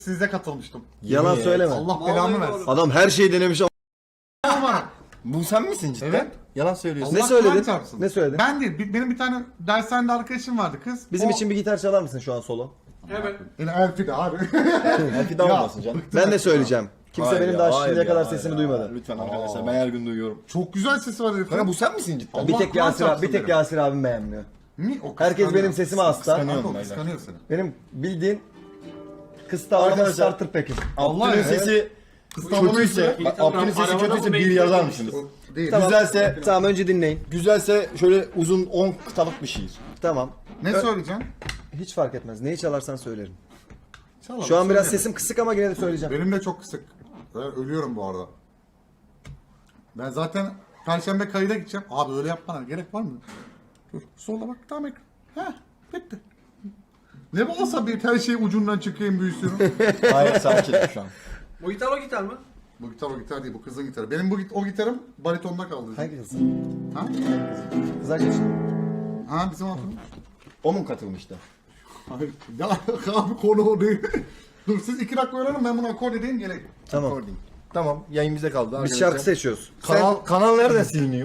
Size katılmıştım. Yalan söyleme. Allah belamı versin. Adam her şeyi denemiş ama. Bu sen misin cidden? Evet. Yalan söylüyorsun. Ne Allah söyledin? Kur'an çarpsın. Ne söyledin? Ben değil. Benim bir tane dershanede arkadaşım vardı kız. Bizim O- için bir gitar çalar mısın şu an solo? Evet. Yine Elfi de abi. Elfiden Ya, olmasın canım. Ben de söyleyeceğim. Kimse Hayır benim ya, daha hayır şimdiye ya, kadar hayır sesimi ya. duymadı. Lütfen arkadaşlar ben her gün duyuyorum. Çok güzel sesi var herifin. Kanka bu sen misin cidden? Bir Allah tek Kur'an Yasir abi, çarpsın bir tek derim. Yasir abim beğenmiyor. Mi? O Herkes kıskanıyor. benim sesime hasta. Kıskanıyor. Kanka o kıskanıyor seni. Benim bildiğin kısta ağlama Arkadaşlar, starter pack'im. Abdül'ün ya. sesi kötüyse, bak, Abdül'ün sesi kötüyse bir yazar mısınız? Değil. Tamam. Güzelse, Tamam önce dinleyin. güzelse şöyle uzun 10 kıtalık bir şiir. Tamam. Ne söyleyeceksin? Hiç fark etmez. Neyi çalarsan söylerim. Çal abi, Şu an biraz söyle. sesim kısık ama yine de söyleyeceğim. Benim de çok kısık. Ben ölüyorum bu arada. Ben zaten Perşembe kayıda gideceğim. Abi öyle yapmana gerek var mı? Dur sola bak tam ekran. Heh bitti. Ne bu asabi her şey ucundan çıkayım büyüsün. Hayır sakin şu an. Bu gitar o gitar mı? Bu gitar o gitar değil bu kızın gitarı. Benim o gitarım baritonda kaldı. Hangi kız? Ha? Kız arkadaş. Ha bizim hatun. O mu katılmıştı? Hayır. Ya abi konu o değil. Dur siz 2 dakika öğrenin ben bunu akor edeyim geleyim. Tamam. Recording. Tamam yayın bize kaldı Biz arkadaşlar. şarkı seçiyoruz. Kanal nereden siliniyor?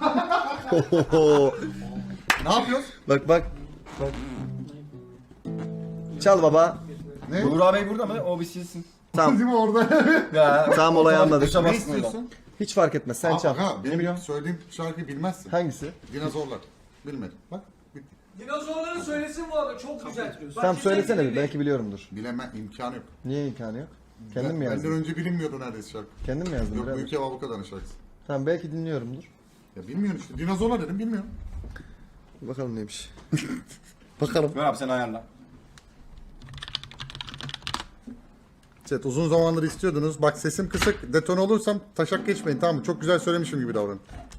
Ne yapıyoruz? Bak bak. Çal baba. Ne? Buğra Bey burada mı? O bir silsin. Tamam. Değil mi orada? Ya, Tamam, olayı anladık. Dışa Ne bassın oradan. istiyorsun? Hiç fark etmez. Sen çal. Aha, benim söylediğim şarkıyı bilmezsin. Hangisi? Dinozorlar. Bilmedim. Bak bitti. Dinozorların söylesin bu arada çok güzel. Tamam söylesene bir. Belki biliyorumdur. Bilemem imkanı yok. Niye imkanı yok? Kendin mi Benden yazdın? önce bilinmiyordu neredeyse şarkı. Kendin mi yazdın? Yok birader? Büyük Ev Avuka'dan şarkısı. Tamam belki dinliyorumdur. Ya bilmiyorsun işte. Dinozorlar dedim bilmiyorum. Bakalım neymiş. Bakalım. Ver abi sen ayarla. Evet uzun zamandır istiyordunuz. Bak sesim kısık. Detone olursam taşak geçmeyin tamam mı? Çok güzel söylemişim gibi davranın.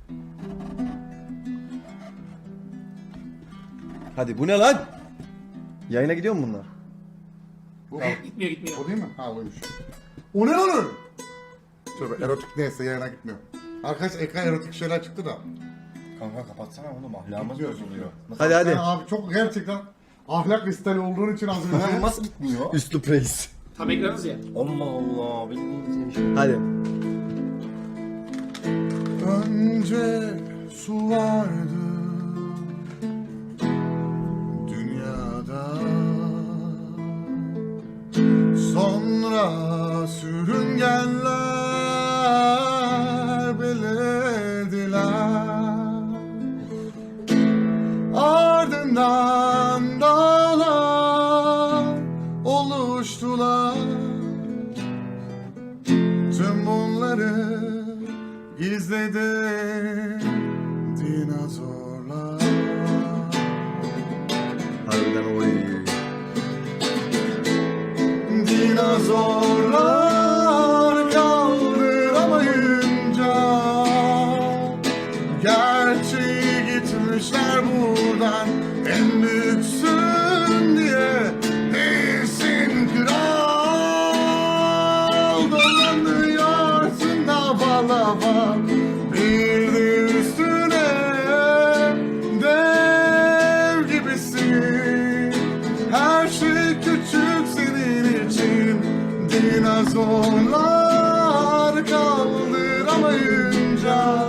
Hadi bu ne lan? Yayına gidiyor mu bunlar? Bu Gitmiyor gitmiyor. o değil mi? Ha oymuş. O ne lan o? Tövbe erotik neyse yayına gitmiyor. Arkadaş ekran erotik şeyler çıktı da. Kanka kapatsana oğlum ahlakımız bozuluyor. Hadi hadi. Yani abi çok gerçekten ahlak listeli olduğun için az önce. Nasıl gitmiyor? Üslup reis. Tam ekranız ya. Allah Allah bildiğiniz bir şey. Hadi. Önce su vardı dünyada, sonra sürüngenler belirdiler, ardından dağlar oluştular. Tüm bunları gizledi dinozorlar. Harbiden oy. Dinozorlar kaldıramayınca gerçeği gitmişler buradan. En büyüksün diye değilsin kral. Dolanıyorsun lava lava. Bir de üstüne dev gibisin. Her şey küçük senin için. Dinozorlar kaldıramayınca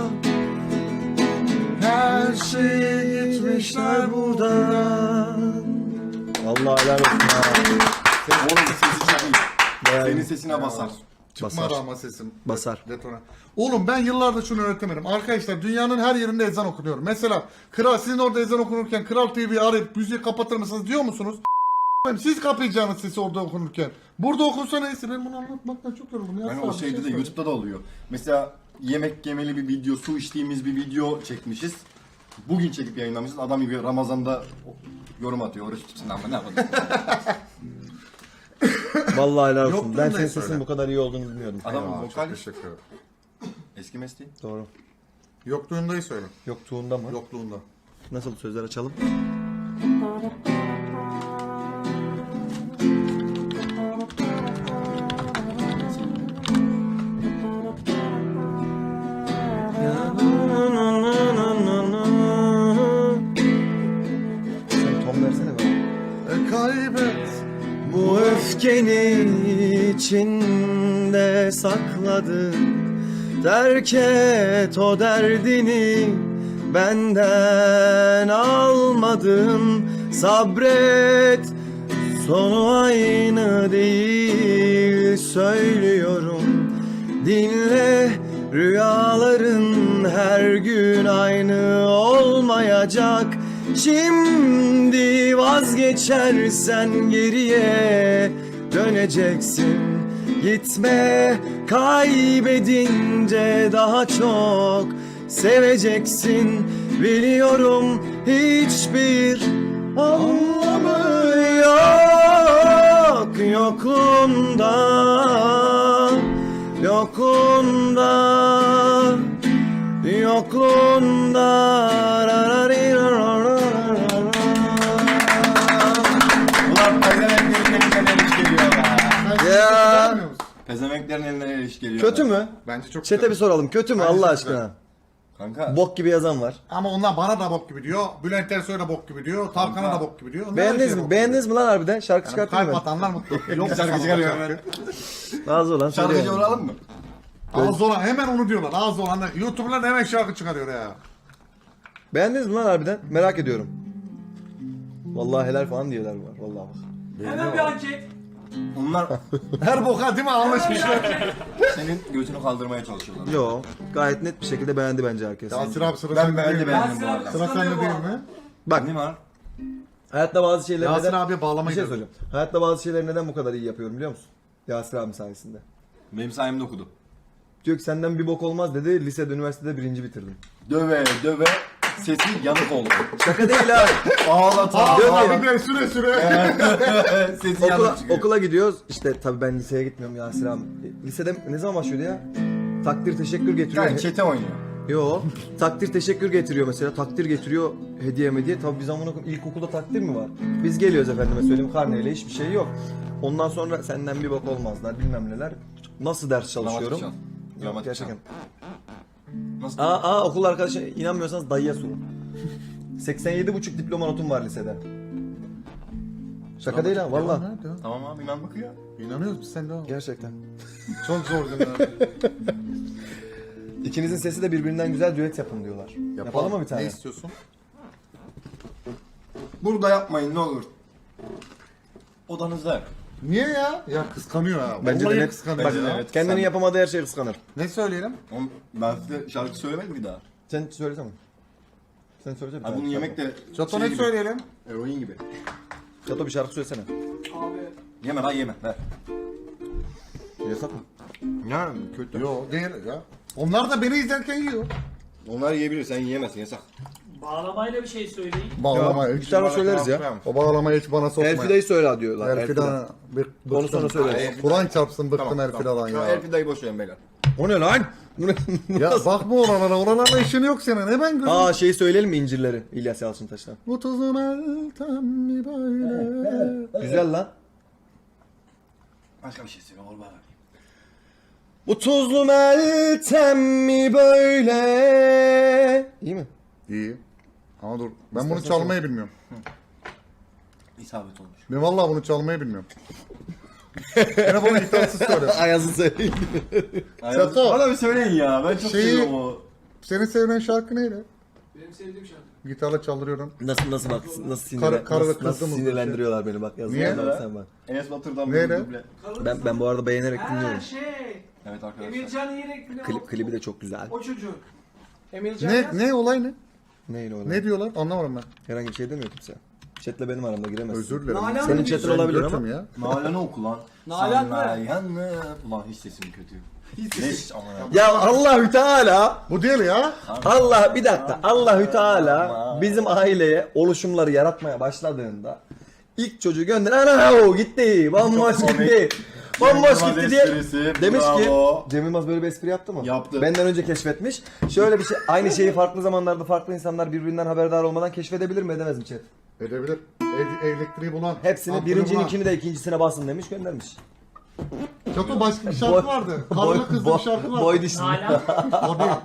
her şey gitmişler buradan. Vallahi helal olsun ha. Oğlum sesi çok iyi. Bayağı Senin iyi. sesine basar. Çıkmadı ama sesim. Basar. Detone. Oğlum ben yıllardır şunu öğretemedim. Arkadaşlar dünyanın her yerinde ezan okunuyor. Mesela kral sizin orada ezan okunurken Kral TV'yi arayıp müziği kapatır mısınız diyor musunuz? Siz kapayacaksınız sesi orada okunurken. Burada okunsa neyse ben bunu anlatmaktan çok yoruldum. Ya, Yani sağ ol, o bir şeyde de söyle. YouTube'da da oluyor. Mesela yemek yemeli bir video, su içtiğimiz bir video çekmişiz. Bugün çekip yayınlamışız. Adam gibi Ramazan'da yorum atıyor. Oruç tutsun ama ne yapalım. Vallahi helal olsun. Yokluğunu Ben da senin söyle. sesin bu kadar iyi olduğunu bilmiyordum. Adamın Aa, vokal çok teşekkür ederim. eski mesleği. Doğru. Yokluğundayı söyle. Yoktuğunda mı? Yokluğunda. Nasıl sözler açalım? Sen ton versene bana. Kaybet. Bu öfkeni içinde sakladın. Terk et o derdini, benden almadın. Sabret, sonu aynı değil söylüyorum. Dinle, rüyaların her gün aynı olmayacak. Şimdi vazgeçersen geriye döneceksin. Gitme, kaybedince daha çok seveceksin. Biliyorum hiçbir anlamı yok yokluğunda, yokluğunda, yokluğunda. Ulan pezevenklerin elinden el iş geliyor be. Sen Ya. beğenmiyor musun? Pezevenklerin elinden el iş geliyor. Kötü be. mü? Bence çok Çete güzel. bir soralım. Kötü mü Bence Allah çok aşkına? Kanka. Bok gibi yazan var. Ama onlar bana da bok gibi diyor. Bülent Ersoy'a da bok gibi diyor. Tarkan'a da bok gibi diyor. Onlar her Beğendiniz şeye mi? bok Beğendiniz gibi mi lan harbiden? Şarkı diyor. çıkarttın Kalp mı? atanlar mutlu. Yok Şarkı çıkarıyor hemen. Ağzı olan Şarkıcı söylüyor. vuralım mı? Ağzı olan hemen onu diyorlar. Ağzı olan YouTuber'lar hemen şarkı çıkarıyor ya. Beğendiniz mi lan harbiden? Merak ediyorum. Vallahi helal falan diyorlar var. Vallahi bak. Hemen bir anket. Onlar Her boka değil mi anlaşmışlar. senin götünü kaldırmaya çalışıyorlar. Yo, gayet net bir şekilde beğendi bence herkes. Yasir abi sıra Ben sende değil mi? beğendim bu arada. Sıra sende değil mi? Bak, Ne var? hayatta bazı şeyleri Yasir neden... abiye Bir bağlamayı şey da- söyleyeceğim. Hayatta bazı şeyleri neden bu kadar iyi yapıyorum biliyor musun? Yasir abim sayesinde. Benim sayemde okudu. Diyor ki senden bir bok olmaz dedi. Lisede, üniversitede birinci bitirdim. Döve döve sesi yanık oldu. Şaka değil ha. Ağlata Diyor ki- ağlata. Abi de süre süre. Sesi okula, yanık çıkıyor. okula gidiyoruz. İşte tabii ben liseye gitmiyorum Yasir abi. Lisede ne zaman başlıyordu ya? Takdir teşekkür getiriyor. Yani çete oynuyor. Yo. Takdir teşekkür getiriyor mesela. Takdir getiriyor hediye mediye. Tabii biz amına koyayım ilkokulda takdir mi var? Biz geliyoruz efendime söyleyeyim karneyle hiçbir şey yok. Ondan sonra senden bir bok olmazlar bilmem neler. Nasıl ders çalışıyorum? Dramatik çal. Yok, Dramatik gerçekten. Nasıl? Okul arkadaşı inanmıyorsanız dayıya sorun. 87,5 diploma notum var lisede. Şaka değil ha valla. Tamam abi inandık ya. İnanıyoruz biz sen de abi. Gerçekten. Çok zor günler. İkinizin sesi de birbirinden güzel düet yapın diyorlar. Yapalım mı bir tane? Ne istiyorsun? Burada yapmayın ne olur. Odanızda yap. Niye ya? Ya kıskanıyor ha. Bence de Vallahi net. kıskanıyor Bence de ya. evet. Kendini Sen- yapamadığı her şeyi kıskanır. Ne söyleyelim? Oğlum, ben size şarkı söylemedim bir daha. Sen söylesene. Sen söylesene. Abi bunu yemek de Çato şey ne gibi, söyleyelim? eroin gibi. Çato bir şarkı söylesene. Abi. Yeme lan yeme. Ver. Yasak mı? Ya kötü. Yok değil ya. Onlar da beni izlerken yiyor. Onlar yiyebilir sen yiyemezsin yasak. Bağlamayla bir şey söyleyin. Bağlama Bir tane söyleriz ya. O bağlamayı hiç bana sokma. Elfide'yi söyle diyorlar. Elfida. Onu sonra söyleriz. Kur'an çarpsın bıktım Elfida'dan Şu an ya. Elfida'yı boş verin beyler. O ne lan? Bu ne? Ya bakma oralara. Oralarla işin yok senin. Ne ben görüyorum. Şeyi söyleyelim mi incirleri İlyas Yalçıntaş'tan? Bu tuzun eltem mi böyle? Güzel lan. Başka bir şey söyle ol bana. Bu tuzlu meltem mi böyle? İyi mi? İyi. Ama dur. Ben bunu çalmayı bilmiyorum. İsabet olmuş. Ben vallahi bunu çalmayı bilmiyorum. Yine bana gitarsız söyle. Ayaz'ı söyleyeyim. Çato. Bana bir söyleyin ya ben çok Şeyi- seviyorum o. Senin sevilen şarkı neydi? Benim sevdiğim şarkı. Gitarla çaldırıyorum. Nasıl bak nasıl Karı nasıl kızdı mı? sinirlendiriyorlar beni bak Niye? yazılar sen bak. Enes Batur'dan Neyle? bir duble. Ben bu arada beğenerek Ha dinliyorum. şey. Evet arkadaşlar. Emircan Yelek mi ne o? Klibi de çok güzel. O çocuk. Emircan Ne Yaz. ne olay ne? Neyle öyle? Ne diyorlar? Anlamadım ben. Herhangi bir şey demiyor kimse. Chat'le benim aramda giremezsin. Özür dilerim. Nalan Senin mı chat'in diyorsun? olabilir Götüm ama. ya. Nalan'ı oku lan. Nalan mı? Nalan'ı. Ulan hiç sesim kötü. Hiç ama ya. Ya Allahü Teala Bu değil ya. Allah bir dakika Allahü Teala bizim aileye oluşumları yaratmaya başladığında ilk çocuğu gönder ana o gitti bomboş Çok komik. gitti bomboş Cem gitti Yılmaz diye esprisi, demiş bravo. ki Cem Yılmaz böyle bir espri yaptı mı? Yaptı. Benden önce keşfetmiş. Şöyle bir şey aynı şeyi farklı zamanlarda farklı insanlar birbirinden haberdar olmadan keşfedebilir mi edemez mi chat? Edebilir. Elektriği bulan. Hepsini ampulü birincininkini de ikincisine basın demiş göndermiş. bulan. Çato başka bir şarkı vardı. Karlı kızlı bir şarkı vardı. Boy dişli. Nalan. O değil.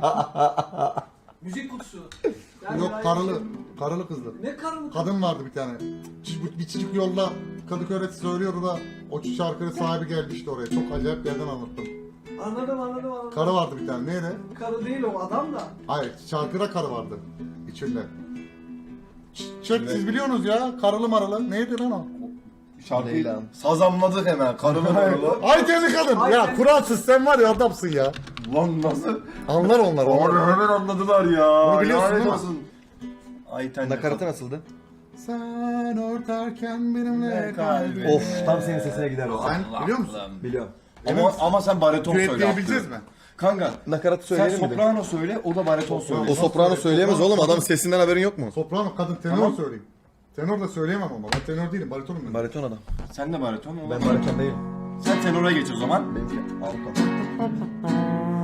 Müzik kutusu. Yok karılı. Karılı kızlı. Ne karılı? Kadın vardı bir tane. Bir çocuk yolda Kadıköy'de söylüyordu da o şarkının sahibi geldi işte oraya. Çok acayip bir yerden anlattım. Anladım. Karı vardı bir tane. Neydi? Karı değil o adam da. Hayır, şarkıda karı vardı içinde. Çek siz biliyorsunuz ya, karılı maralı. Neydi lan o? Şarkıyı Leyla'm. sazamladık hemen. Karılı marılı. Ay kendi kadın. Ya kuralsız sen var ya adamsın ya. Lan nasıl? Anlar onlar. Abi hemen anladılar ya. Bunu biliyorsun Lanet değil mi? olsun. Ay ten Nakaratı nasıldı? Sen örterken benimle kalbim. Of tam senin sesine gider o. Sen biliyor musun? Biliyorum. Ama sen bariton söyle. Düetleyebileceğiz Abdü. mi? Kanka Nakaratı sen söyleyelim mi? soprano söyle, o da bariton söyle. O soprano söyleyemez oğlum, adam sesinden haberin yok mu? Soprano kadın tenor Tamam. söyleyeyim. Tenor da söyleyemem ama ben tenor değilim baritonum ben. Bariton adam. Sen de bariton, o da Ben bariton değilim. Sen tenora geç o zaman. Benimki alto.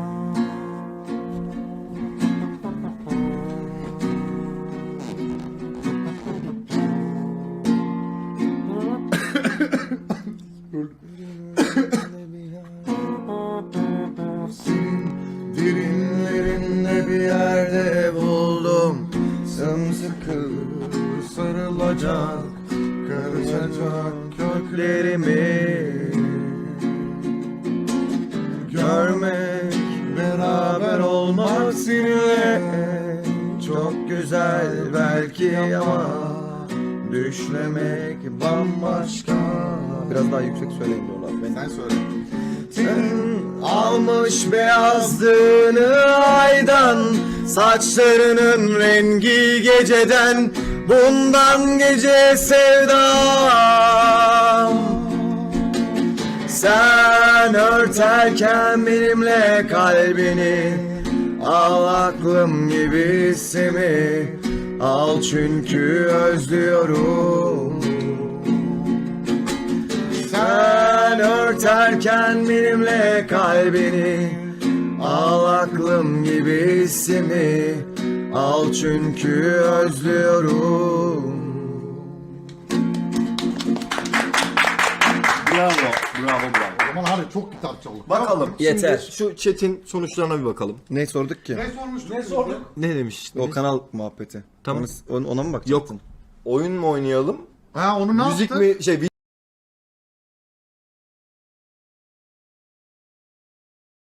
Derinlerinde bir yerde buldum sımsıkı sarılacak karışacak köklerimi görmek beraber olmak seninle çok güzel belki ama düşlemek bambaşka. Biraz daha yüksek söyleyin diyorlar. Sen söyle. Almış beyazlığını aydan, saçlarının rengi geceden, bundan gece sevdam. Sen örterken benimle kalbini, al aklım gibi hissimi, al çünkü özlüyorum. Sen örterken benimle kalbini, al aklım gibi hissimi, al çünkü özlüyorum. Bravo. O zaman hadi çok gitar çaldık. Bakalım. Yeter. Şimdi şu chat'in sonuçlarına bir bakalım. Ne sorduk ki? Ne sormuştuk? Ne sorduk? Ne demiş? O kanal muhabbeti. Tamam. Ona mı bakacaktın? Oyun mu oynayalım? Ha onu ne Müzik yaptın? mi?